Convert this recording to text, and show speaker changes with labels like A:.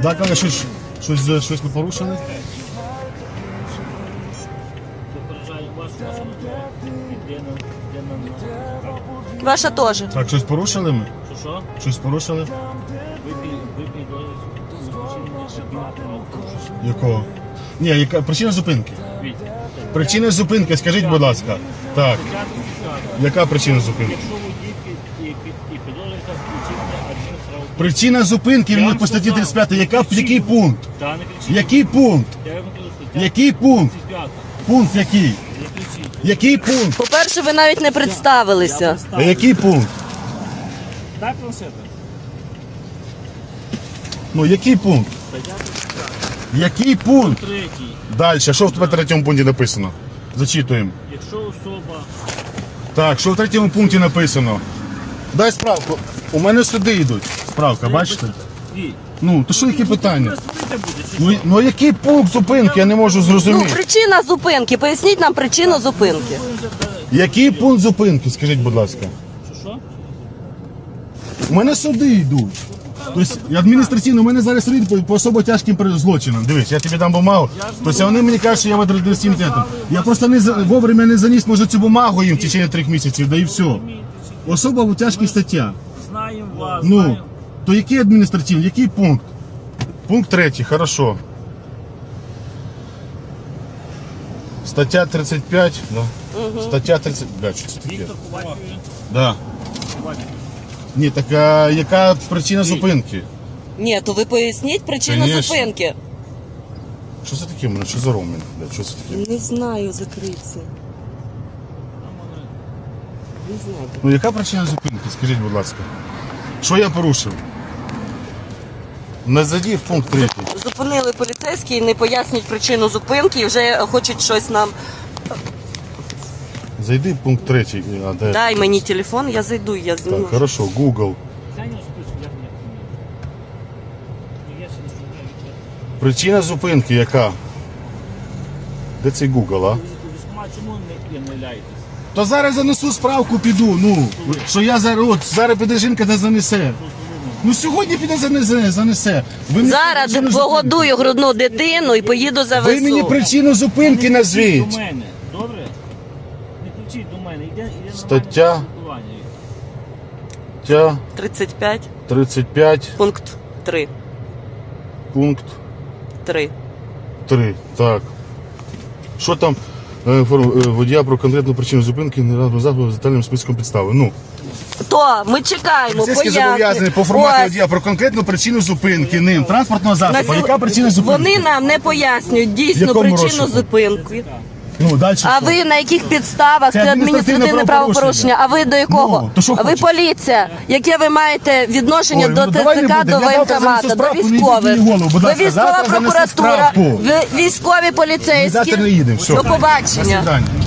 A: Так, але щось ми порушили?
B: Ваша теж.
A: Так, щось порушили ми?
C: Що?
A: Щось порушили?
C: Випій
A: Якого? Ні, яка причина зупинки?
C: Віть.
A: Причина зупинки, скажіть, будь ласка. Так, яка причина зупинки?
C: Якщо водій і підозрюється включити адмінправопорушення.
A: Причина зупинки він по статті 35. Який пункт?
C: Та не кричіть.
A: Який пункт?
C: Я вам кажу, стаття
A: Який пункт?
C: 35.
A: Пункт який?
C: Не кричіть.
A: Який пункт?
B: По-перше, ви навіть не представилися.
A: А який пункт?
C: Дай планшета.
A: Ну, який пункт?
C: Стаття 35.
A: Який пункт?
C: Третій.
A: Далі, що в третьому пункті написано? Зачитуємо.
C: Якщо особа...
A: Так, що в третьому пункті написано? Дай справку. У мене сюди йдуть. Справка, бачите?
C: Віть.
A: Ну, то що які питання?
C: Розповідайте буде, чи що?
A: Ну який пункт зупинки? Я не можу
B: Ну,
A: зрозуміти.
B: причина зупинки. Поясніть нам причину зупинки.
A: Який пункт зупинки, скажіть, будь ласка?
C: Що?
A: У мене суди йдуть. Тобто адміністраційно, у мене зараз суди по особо тяжким злочинам. Дивись, я тобі дам бумагу. Тобто вони мені кажуть, що я в адміністративному. Я просто вовремя не заніс, може, цю бумагу їм в течение 3 місяців, да і все. Особа в тяжкій стаття.
C: Знаємо вас,
A: Ну,
C: знаємо.
A: то який адміністративний, який пункт? Пункт 3, хорошо. Стаття 35, да. Стаття 30, блядь, що це таке?
C: Віктор Ковальський.
A: Да. Ні, так а яка причина зупинки?
B: Ні, то ви поясніть причину
A: Конечно.
B: зупинки.
A: Що це таке? Мене що за ромін? Що це таке?
B: Не знаю, закриться. Не знаю.
A: Ну яка причина зупинки? Скажіть, будь ласка. Що я порушив? Не задів пункт 3.
B: Зупинили поліцейські, не пояснюють причину зупинки і вже хочуть щось нам.
A: Зайди в пункт 3. А, де?
B: Дай мені телефон, я зайду, я зніму.
A: Так, хорошо, Google.
C: Зайняв список, як мені. Я ще не знаю, як
A: Причина зупинки яка? Де цей Google, а?
C: у військкомат чому не являєтесь?
A: То зараз занесу справку, піду, ну. Що я зараз піде жінка та занесе. Ну сьогодні піде занесе. Ви мені
B: Зараз
A: причину
B: погодую грудну дитину і поїду за
A: зупинки. Ви мені
B: ВСУ.
A: причину зупинки
C: До
A: назвіть.
C: мене, добре? Не кричіть до мене, йде нормальне
A: Стаття.
C: спілкування.
A: Стаття
B: 35,
A: 35,
B: пункт 3.
A: пункт
B: 3.
A: 3. Так. Що там? Водія про конкретну причину зупинки не разом з детальним списком підстави. Ну,
B: То ми чекаємо,
A: поліцейські зобов'язані по формату
B: Ось.
A: водія про конкретну причину зупинки ним транспортного засобу. Яка причина зупинки?
B: Вони нам не пояснюють дійсну
A: Якому
B: причину
A: розшуку?
B: зупинки.
A: Ну, далі.
B: А
A: що?
B: ви на яких підставах?
A: Це
B: Це
A: адміністративне
B: адміністративне правопорушення. А ви до якого?
A: Ну, то що
B: А ви
A: хочеш?
B: поліція. Яке ви маєте відношення
A: Ой,
B: до
A: ну, давай не
B: ТЦК,
A: будемо.
B: до
A: Я завтра
B: воєнкомату,
A: занесу
B: до
A: справку, не
B: військових?
A: йдіть мені в голову, будь
B: Ви
A: ласка.
B: військова
A: Завтра занесу
B: прокуратура,
A: справку.
B: ви військові поліцейські.
A: Завтра не їдемо. Все.
B: До побачення.
A: До свидання.